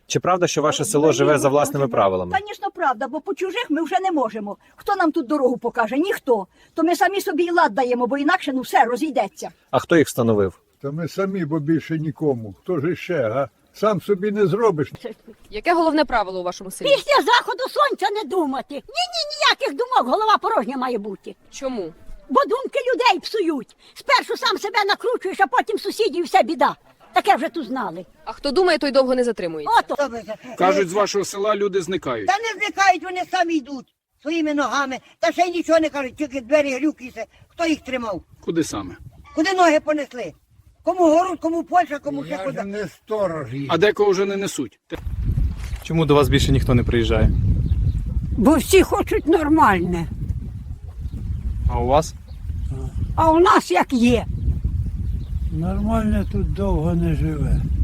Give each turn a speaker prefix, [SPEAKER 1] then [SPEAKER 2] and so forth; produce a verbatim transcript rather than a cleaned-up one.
[SPEAKER 1] Чи правда, що ваше село живе за власними правилами?
[SPEAKER 2] Звісно, правда, бо по чужих ми вже не можемо. Хто нам тут дорогу покаже? Ніхто. То ми самі собі і лад даємо, бо інакше ну все розійдеться.
[SPEAKER 1] А хто їх встановив?
[SPEAKER 3] Та ми самі, бо більше нікому. Хто ж іще, га? Сам собі не зробиш.
[SPEAKER 4] Яке головне правило у вашому селі?
[SPEAKER 5] Після заходу сонця не думати. Ні-ні, ніяких думок, голова порожня має бути.
[SPEAKER 4] Чому?
[SPEAKER 5] Бо думки людей псують. Спершу сам себе накручуєш, а потім сусідів вся біда. Таке вже тут знали.
[SPEAKER 4] А хто думає, той довго не затримується.
[SPEAKER 5] Ото.
[SPEAKER 6] Кажуть, з вашого села люди зникають.
[SPEAKER 7] Та не зникають, вони самі йдуть своїми ногами. Та ще й нічого не кажуть, тільки двері глюкаються. Хто їх тримав?
[SPEAKER 6] Куди саме?
[SPEAKER 7] Куди ноги понесли? Кому город, кому Польща, кому ще
[SPEAKER 3] Я ж
[SPEAKER 7] куди.
[SPEAKER 3] не сторож їх.
[SPEAKER 6] А декого вже не несуть.
[SPEAKER 8] Чому до вас більше ніхто не приїжджає?
[SPEAKER 9] Бо всі хочуть нормальне,
[SPEAKER 8] А у вас?
[SPEAKER 9] а у нас як є.
[SPEAKER 10] Нормально тут довго не живе.